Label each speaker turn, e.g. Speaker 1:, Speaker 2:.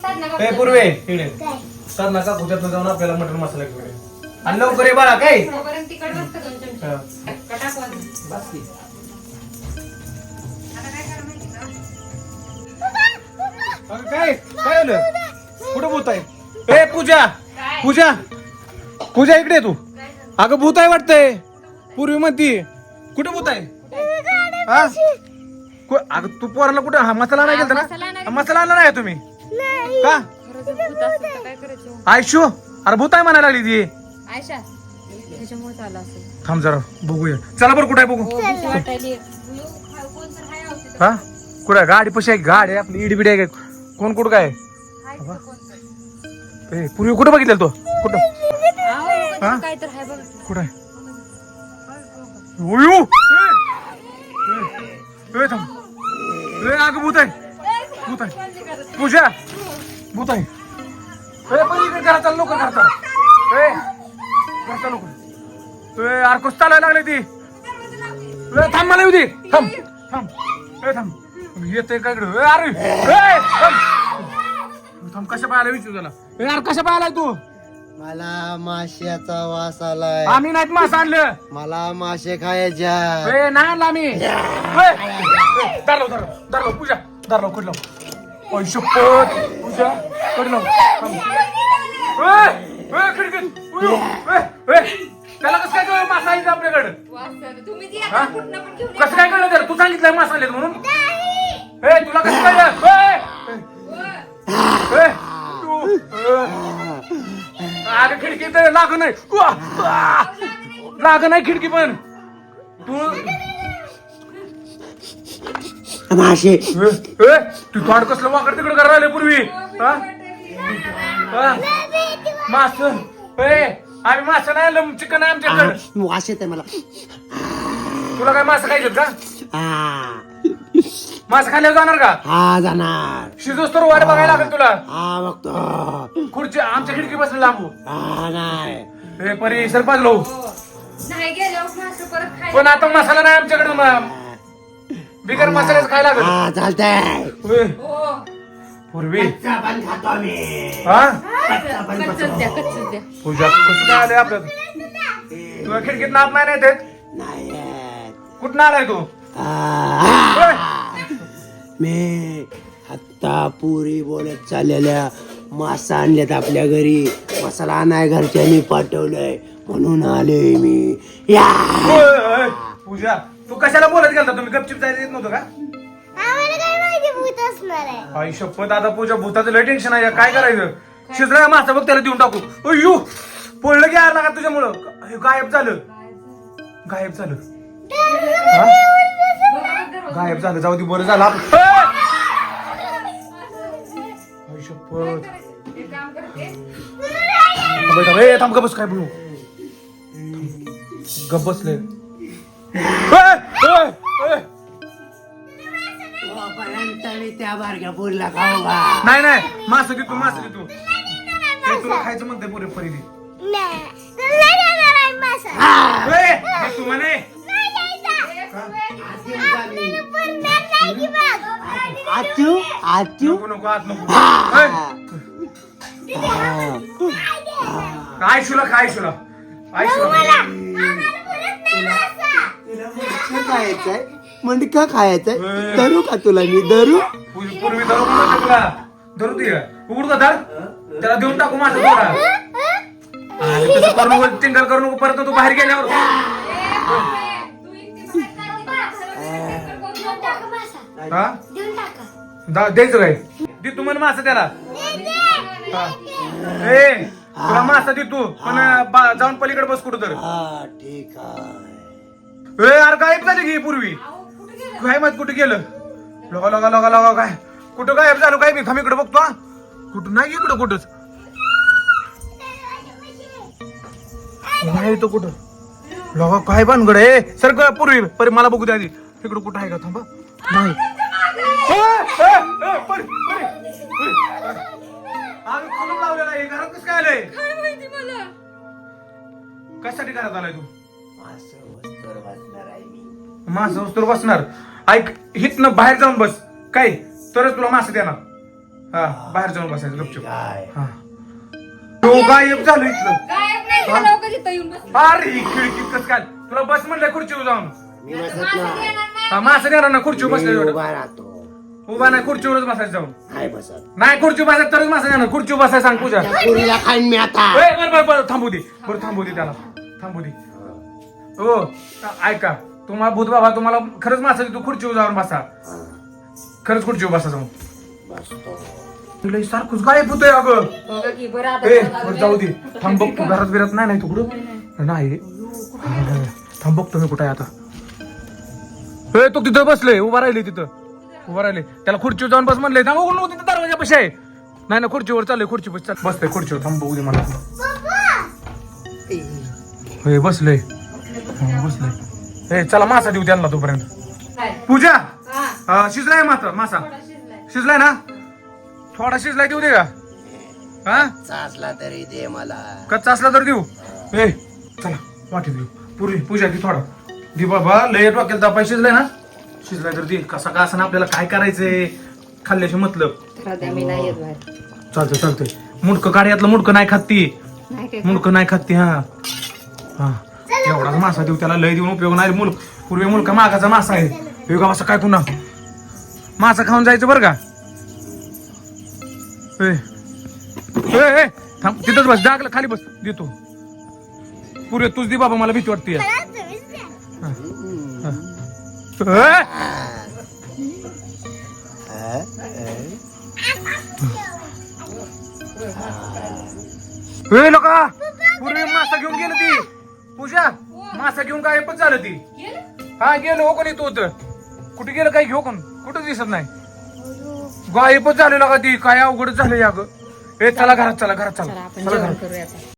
Speaker 1: काय पूर्वे इकडे तर नका कुठ्यात जाऊन आपल्याला मटण मसाला घेऊन आणि लवकर ये बाळा काय काय काय आलं कुठं भूत आहे ए पूजा पूजा पूजा इकडे तू अगं भूत आहे वाटतंय पूर्वी म्हणती कुठं भूत आहे हा अगं तू पोराला कुठं हा मसाला नाही गेलता ना मसाला आणला नाही तुम्ही का आयशू अरे भूत आहे म्हणायला लागली ती थांब जरा बघूया चला बरं कुठं आहे बघू हा कुठं गाडी पशी आहे गाडी आपली इडबिडी आहे कोण कुठं काय पूर्वी कुठं बघितलं तो कुठं हा कुठं आहे अगं भूत आहे भूत आहे पूजा भूत आहे घरा चाल लवकर घरा चाल लवकर अरे कुस चालायला लागले ती थांब मला येऊ दे थांब थांब थांब येते काय अरे थांब कशा पाहायला विचारू त्याला यार कशा पाहायला तू
Speaker 2: मला माश्याचा वास आलाय
Speaker 1: आम्ही नाहीत मास आणलं
Speaker 2: मला मासे खायच्या
Speaker 1: नाही आणलं आम्ही दारलो पूजा दारलो कडलो ओय शपथ पूजा कडलो त्याला कसं काय कळलं मासा आहे आपल्याकडे कसं काय कळलं तर तू सांगितलं मासा आले म्हणून तुला कसं कळलं अरे खिडकी तर लाग नाही लाग नाही खिडकी पण तू
Speaker 2: मासे
Speaker 1: तू थोड कसलं वाकड तिकडे करायला राहिले पूर्वी मास आम्ही मासा नाही आणलं चिकन आहे आमच्याकडे
Speaker 2: वास येते मला
Speaker 1: तुला काय मासा खायचं का मासा खाल्ल्यावर जाणार का
Speaker 2: हा जाणार
Speaker 1: शिजोस तर वाट बघायला लागेल तुला
Speaker 2: हा बघतो
Speaker 1: खुर्ची आमच्या खिडकी बसले लांबू
Speaker 2: हा नाही
Speaker 1: हे परी सरपाच लो पण आता मसाला नाही आमच्याकडे बिगर मसाल्याच खायला लागेल
Speaker 2: हा चालतंय
Speaker 1: पूर्वी
Speaker 2: पण खातो आम्ही
Speaker 1: हा
Speaker 3: द्या
Speaker 1: पूजा कसं काय आलंय आपल्यात तुला खिडकीत नाप नाही देत
Speaker 2: नाही
Speaker 1: कुठं आलाय तू
Speaker 2: मी आत्ता पुरी बोलत चाललेल्या मासा आणल्यात आपल्या घरी मसाला आणाय घरच्यांनी पाठवलंय म्हणून आले मी या
Speaker 1: पूजा तू कशाला बोलत गेलता तुम्ही गपचिप जायचं येत नव्हतं का आई शपथ आता पूजा भूताचं लय टेन्शन आहे काय करायचं शिजला मासा बघ त्याला देऊन टाकू अय्यो पडलं की यार लागा तुझ्यामुळं गायब झालं गायब झालं गायब झालं जाऊ दे बरं झालं आई शपथ बेटा थांब गप बस काय बोलू गप बसले
Speaker 2: त्या बारक्या पुरीला खाऊ का
Speaker 1: नाही नाही मासं घे तू मासं घे तू तुला खायचं म्हणते पुरे परिधी तू म्हणे
Speaker 2: आचू आचू
Speaker 1: नको नको आत नको काय शुला काय शुला काय शुला
Speaker 2: खायचंय मंडका खायचंय धरू का तुला मी धरू
Speaker 1: पूर्वी धरू म्हणतो तुला धरू दे उघड का धर त्याला देऊन टाकू माझं थोडा तसं करू नको टिंगल करू नको परत तू बाहेर गेल्यावर द्यायचं काय दे तू म्हण मासा त्याला तुला मासा दे तू पण जाऊन पलीकडे बस कुठं तर
Speaker 2: हा ठीक आहे
Speaker 1: अरे गायब झाली की पूर्वी काय माहित कुठे गेलं लगा लगा लगा लगा काय कुठं गायब झालं काय मी थांब इकडे बघतो हा कुठं नाही इकडं कुठंच नाही तो कुठं लगा काय भानगड आहे सर पूर्वी परी मला बघू द्या आधी इकडं कुठं आहे का थांबा नाही आम्ही कुलूप लावलेला आहे घरात कसं काय आलंय कशासाठी घरात आलाय तू मासा वस्तूवर बसणार ऐक हितनं बाहेर जाऊन बस काय तरच तुला मासा देणार हा बाहेर जाऊन बसायचं गपचूप.
Speaker 2: काय
Speaker 1: हा तो गायब झालो इथलं.
Speaker 3: गायब नाही झालं का तिथं येऊन बस.
Speaker 1: अरे खिडकीत कस काय तुला बस म्हणलंय खुर्चीवर जाऊन.
Speaker 2: मी बसत
Speaker 3: मासे
Speaker 2: नाही
Speaker 3: देणार नाही.
Speaker 1: हा मासं देणार ना खुर्चीवर
Speaker 2: मी
Speaker 1: बसले
Speaker 2: उभा राहतो
Speaker 1: उभा नाही खुर्चीवरच बसायचं जाऊन.
Speaker 2: नाही बसत
Speaker 1: नाही खुर्ची बसायचं तरच मासं देणार. खुर्चीवर बसायला सांग पूजा.
Speaker 2: त्या पोरीला खाईन मी आता
Speaker 1: ए, बरं थांबू दे. बरं थांबू दे त्याला थांबू दे. हो ऐका तुम्हाला भूत बाबा तुम्हाला खरंच मासा देतो खुर्चीवर जाऊन बसा. खरंच खुर्चीवर बसा जाऊन.
Speaker 2: बसतो
Speaker 1: तुला सारखंच गायब होतंय अगं.
Speaker 3: बघा की बरं आता
Speaker 1: ए
Speaker 3: घरात
Speaker 1: बरं जाऊ दे. थांब बघतो घरात बिरात नाही तू कुठं नाही. हा, थांब बघतो मी कुठं आहे आता. ए तो तिथं बसले उभा राहिले तिथं उभा राहिले. त्याला खुर्चीवर जाऊन बस म्हणले. थांब बघू तिथं दरवाजा पशी आहे. नाही ना खुर्चीवर चाललंय खुर्ची बस बसतंय खुर्चीवर. थांब बघू दे मला. हे बसले बसले. ए चला मासा देऊ त्यांना तोपर्यंत.
Speaker 3: काय?
Speaker 1: पूजा
Speaker 3: हा,
Speaker 1: शिजलाय मासा
Speaker 3: थोडा शिजलाय.
Speaker 1: शिजलाय ना थोडा शिजलाय देऊ दे का. हा
Speaker 2: चाचला तरी दे मला
Speaker 1: कच्चा असला तर देऊ. ए चला वाटी देऊ पूर्वी पूजा की थोडा दे बाबा. लय डोक्याला तापाय. शिजलाय ना शिजलाय तर दे. कसा का असं आपल्याला काय करायचंय खाल्ल्याशी मतलब.
Speaker 3: राहू मी नाही येत बाहेर.
Speaker 1: चालतंय मुंडकं काढ्यातलं मुंडकं नाही खात ती.
Speaker 3: नाही काय
Speaker 1: मुंडकं नाही खात ती. हा हा एवढाच मासा देऊ त्याला. लय देऊन उपयोग नाही. पूर्वी मुलका मागाचा मासा आहे. वेगळा मासा काय पुन्हा मासा खाऊन जायचं बरं का. ए थांब तिथंच बस. जागला खाली बस देतो. पुरे तूच दे बाबा मला भीती वाटते. लोका पूर्वी मासा घेऊन गेलं ती. पूजा मासा घेऊन गायबच झालं ती.
Speaker 3: गेलं?
Speaker 1: हा गेलो हो कोणी तू होतं. कुठे गेलं काय घेऊ कोण कुठं दिसत नाही. गायबच झालेला का ती. काय अवघडच झालं या ग. ए चला घरात चला
Speaker 3: चला आपण
Speaker 1: चला
Speaker 3: जेवण
Speaker 1: घरात.
Speaker 3: करूया आता.